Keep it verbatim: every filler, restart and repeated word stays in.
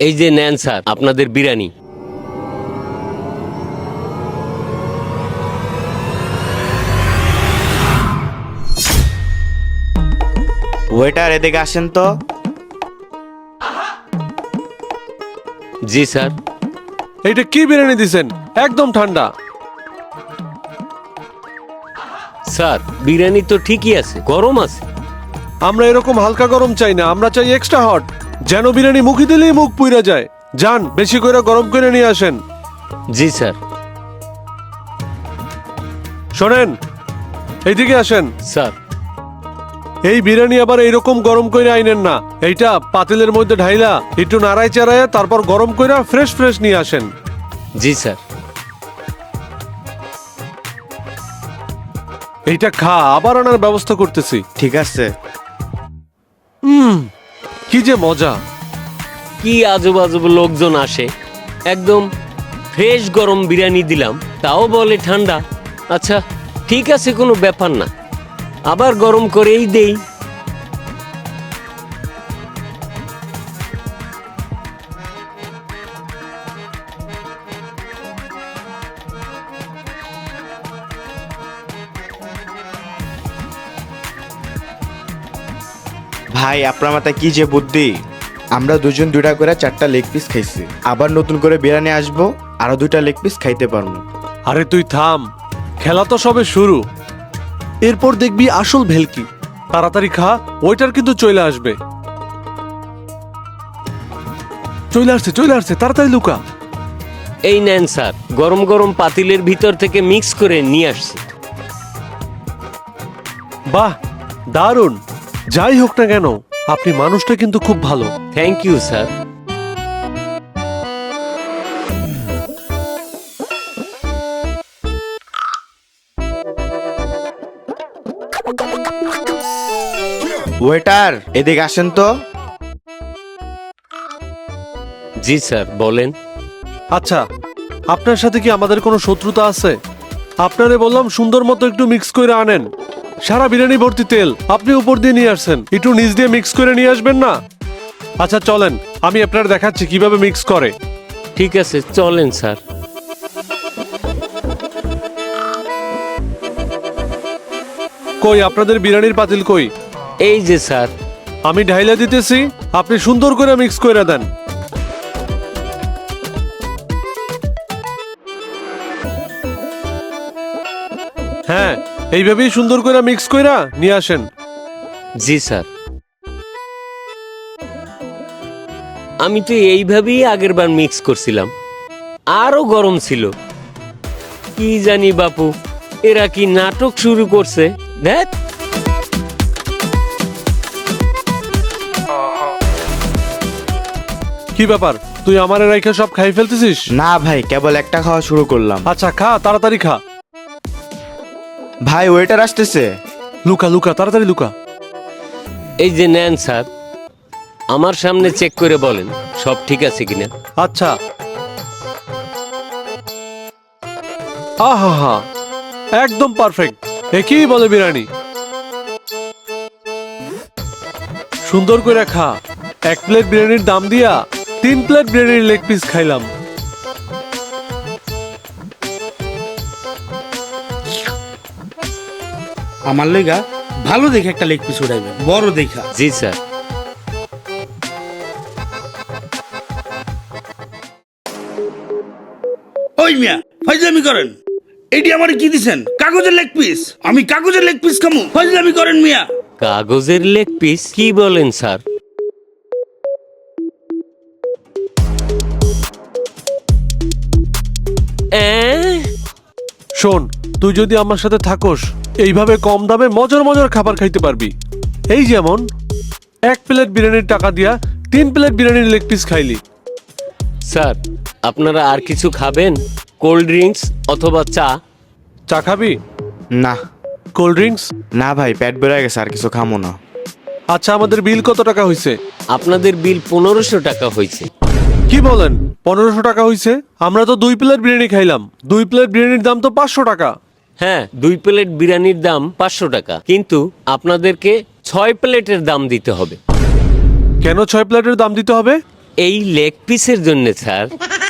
এই যে নেন স্যার আপনাদের বিরিয়ানি। ওয়েটার এদিকে আসেন তো। জি স্যার। এইটা কি বিরিয়ানি দিছেন? একদম ঠান্ডা। স্যার বিরিয়ানি তো ঠিকই আছে, গরম আছে। আমরা এরকম হালকা গরম চাই না, আমরা চাই এক্সট্রা হট, যেন বিরিয়ানি মুখে দিলেই মুখ পুইরা যায়। যান বেশি করে গরম করে নিয়ে আসেন। জি স্যার। শোনেন, এইদিকে আসেন। স্যার এই বিরিয়ানি আবার এইরকম গরম করে আইনেন না, এইটা পাতিলের মধ্যে ঢাইলা একটু নাড়াই চাড়াইয়া তারপর গরম কইরা ফ্রেশ ফ্রেশ নিয়ে আসেন। জি স্যার। এইটা খা, আবার আনার ব্যবস্থা করতেছি। ঠিক আছে। হুম, কি যে মজা। কি আজব আজব লোকজন আসে, একদম ফ্রেশ গরম বিরিয়ানি দিলাম, তাও বলে ঠান্ডা। আচ্ছা ঠিক আছে, কোনো ব্যাপার না, আবার গরম করেই দেই। ভাই আপনার মাথায় কি যে বুদ্ধি, আমরা দুজন দুইটা করে চারটা লেগ পিস খাইছি, আবার নতুন করে বিরিয়ানি আসবো, আরো দুইটা লেগ পিস খাইতে পারবো। আরে তুই থাম, খেলা তো সবে শুরু, এরপর দেখবি আসল ভেলকি। তাড়াতাড়ি খা, ওইটার কিন্তু চলে আসবে। চলে আসছে চলে আসছে, তাড়াতাড়ি লুকা। এই নেন স্যার, গরম গরম পাতিলের ভিতর থেকে মিক্স করে নিয়ে আসছি। বাহ, দারুণ। যাই হোক না কেন, আপনি মানুষটা কিন্তু খুব ভালো। Thank you sir. ওয়েটার এদিকে আসেন তো। জি স্যার বলেন। আচ্ছা, আপনার সাথে কি আমাদের কোনো শত্রুতা আছে? আপনারে বললাম সুন্দর মতো একটু মিক্স করে আনেন। সারা বিরিয়ানি ভর্তি তেল, আপনি উপর দিয়ে নিয়ে আসছেন, একটু নিচ দিয়ে মিক্স করে নিয়ে আসবেন না? আচ্ছা চলেন, আমি আপনার দেখাচ্ছি কিভাবে মিক্স করে। ঠিক আছে চলেন স্যার। কই আপনাদের বিরিয়ানির পাতিল কই? এই যে স্যার। আমি ঢাইলা দিতেছি, আপনি সুন্দর করে মিক্স করে দেন। হ্যাঁ, এইভাবেই সুন্দর করে মিক্স কইরা নিয়ে আসেন। জি স্যার। আমি তো এইভাবেই আগের বার মিক্স করছিলাম, আরো গরম ছিল। কি জানি বাপু, এরা কি নাটক শুরু করছে। দেখ কি ব্যাপার, তুই আমার রাইখা সব খাই ফেলতেছিস? না ভাই, কেবল একটা খাওয়া শুরু করলাম। আচ্ছা খা, তাড়াতাড়ি খা। ভাই ওয়েটার আসতেছে। লুকা লুকা, তাড়াতাড়ি লুকা। এই যে নেন স্যার, আমার সামনে চেক করে বলেন সব ঠিক আছে কিনা। আচ্ছা। আহা হা, একদম পারফেক্ট, একই বলে বিরিয়ানি। সুন্দর করে খা। এক প্লেট বিরিয়ানির দাম দিয়া তিন প্লেট বিরিয়ানির লেগ পিস খাইলাম। আমার লেগা ভালো দেখে একটা লেগ পিস উঠাইবেন, বড় দেখা। জি স্যার। ওই মিয়া ফাইজলামি করেন, এটি আমার কি দিছেন? কাগজের লেগ পিস, আমি কাগজের লেগ পিস খামু? ফাইজলামি করেন মিয়া। কাগজের লেগ পিস কি বলেন স্যার? এ? শোন, তুই যদি আমার সাথে থাকোস, এইভাবে কম দামে মজার মজার খাবার খাইতে পারবি। এই যেমন এক প্লেট বিরিয়ানির টাকা দিয়া তিন প্লেট বিরিয়ানির লেগ পিস খাইলি। স্যার আপনারা আর কিছু খাবেন? কোল্ড ড্রিঙ্কস অথবা চা? চা খাবি? না। Cold drinks? না ভাই, পেট বেড়ে গেছে, আর কিছু খামো না। আচ্ছা, আমাদের বিল কত টাকা হয়েছে? আপনাদের বিল পনেরোশো টাকা হয়েছে। কি বলেন, পনেরোশো টাকা হয়েছে? আমরা তো দুই প্লেট বিরিয়ানি খাইলাম, দুই প্লেট বিরিয়ানির দাম তো পাঁচশো টাকা। হ্যাঁ, দুই প্লেট বিরিয়ানির দাম পাঁচশো টাকা, কিন্তু আপনাদেরকে ছয় প্লেটের দাম দিতে হবে। কেন ছয় প্লেটের দাম দিতে হবে? এই লেগ পিসের জন্য স্যার।